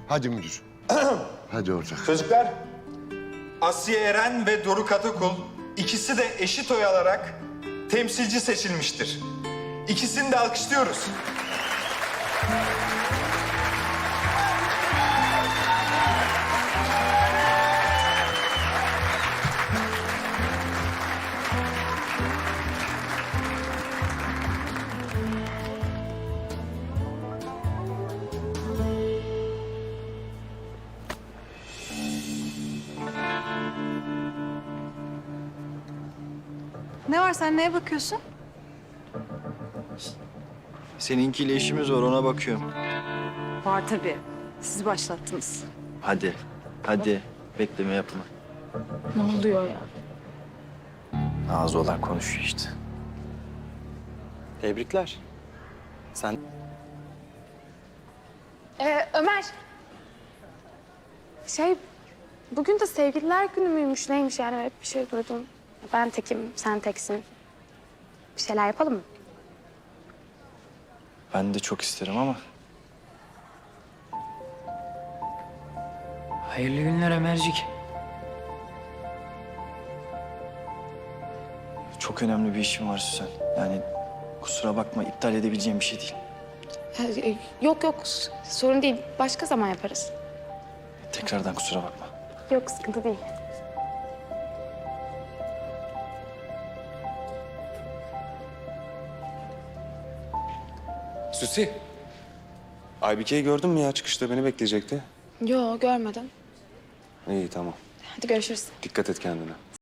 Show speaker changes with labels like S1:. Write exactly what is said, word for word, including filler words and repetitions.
S1: Hadi müdür. Hadi ortak.
S2: Çocuklar, Asiye Eren ve Doruk Atakul ikisi de eşit oy alarak temsilci seçilmiştir. İkisini de alkışlıyoruz.
S3: Ne var, sen neye bakıyorsun?
S4: Seninkiyle işimiz var, ona bakıyorum.
S3: Var tabii. Siz başlattınız.
S4: Hadi, hadi. Bekleme yapma.
S3: Ne oluyor ya?
S4: Ağzı olan konuşuyor işte.
S5: Tebrikler. Sen
S6: Ee, Ömer. Şey, bugün de sevgililer günü müymüş neymiş yani hep bir şey duydum. Ben tekim, sen teksin. Bir şeyler yapalım mı?
S4: Ben de çok isterim ama.
S7: Hayırlı günler Ömercik.
S4: Çok önemli bir işim var Süsen. Yani kusura bakma, iptal edebileceğim bir şey değil.
S6: Ee, yok yok, sorun değil. Başka zaman yaparız.
S4: Tekrardan kusura bakma.
S6: Yok, sıkıntı değil.
S5: Süsi. Aybike'yi gördün mü ya? Çıkışta beni bekleyecekti.
S6: Yo, görmedim.
S5: İyi tamam.
S6: Hadi görüşürüz.
S5: Dikkat et kendine.